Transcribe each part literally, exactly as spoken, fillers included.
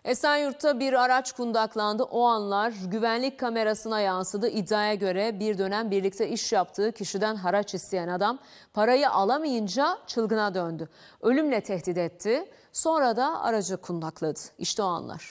Esenyurt'ta bir araç kundaklandı. O anlar güvenlik kamerasına yansıdı. İddiaya göre bir dönem birlikte iş yaptığı kişiden haraç isteyen adam parayı alamayınca çılgına döndü. Ölümle tehdit etti. Sonra da aracı kundakladı. İşte o anlar.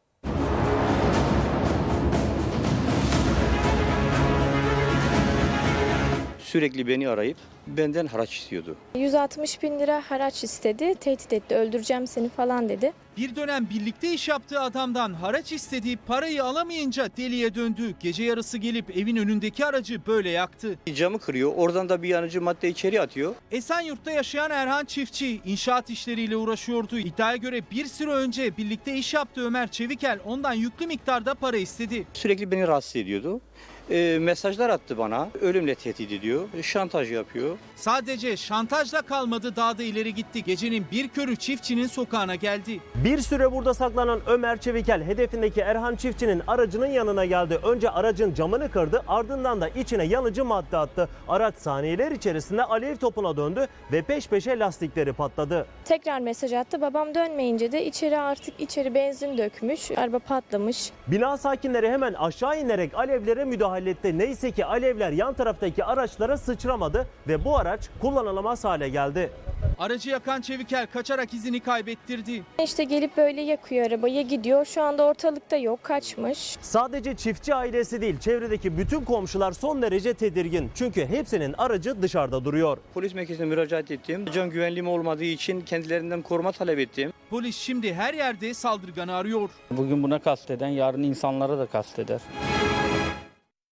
Sürekli beni arayıp benden haraç istiyordu. yüz altmış bin lira haraç istedi, tehdit etti, öldüreceğim seni falan dedi. Bir dönem birlikte iş yaptığı adamdan haraç istediği parayı alamayınca deliye döndü. Gece yarısı gelip evin önündeki aracı böyle yaktı. Camı kırıyor, oradan da bir yanıcı madde içeri atıyor. Esenyurt'ta yaşayan Erhan Çiftçi inşaat işleriyle uğraşıyordu. İddiaya göre bir süre önce birlikte iş yaptığı Ömer Çevikel ondan yüklü miktarda para istedi. Sürekli beni rahatsız ediyordu. E, mesajlar attı bana, ölümle tehdit ediyor, şantaj yapıyor. Sadece şantajla kalmadı, daha da ileri gitti. Gecenin bir körü çiftçinin sokağına geldi. Bir süre burada saklanan Ömer Çevikel hedefindeki Erhan Çiftçi'nin aracının yanına geldi. Önce aracın camını kırdı, ardından da içine yanıcı madde attı. Araç saniyeler içerisinde alev topuna döndü ve peş peşe lastikleri patladı. Tekrar mesaj attı. Babam dönmeyince de içeri artık içeri benzin dökmüş, araba patlamış. Bina sakinleri hemen aşağı inerek alevlere müdahale etti. Neyse ki alevler yan taraftaki araçlara sıçramadı ve bu araç kullanılamaz hale geldi. Aracı yakan Çevikel kaçarak izini kaybettirdi. İşte gelip böyle yakıyor arabayı, gidiyor. Şu anda ortalıkta yok, kaçmış. Sadece çiftçi ailesi değil, çevredeki bütün komşular son derece tedirgin. Çünkü hepsinin aracı dışarıda duruyor. Polis merkezine müracaat ettim. Can güvenliğim olmadığı için kendilerinden koruma talep ettim. Polis şimdi her yerde saldırganı arıyor. Bugün buna kasteden yarın insanlara da kasteder.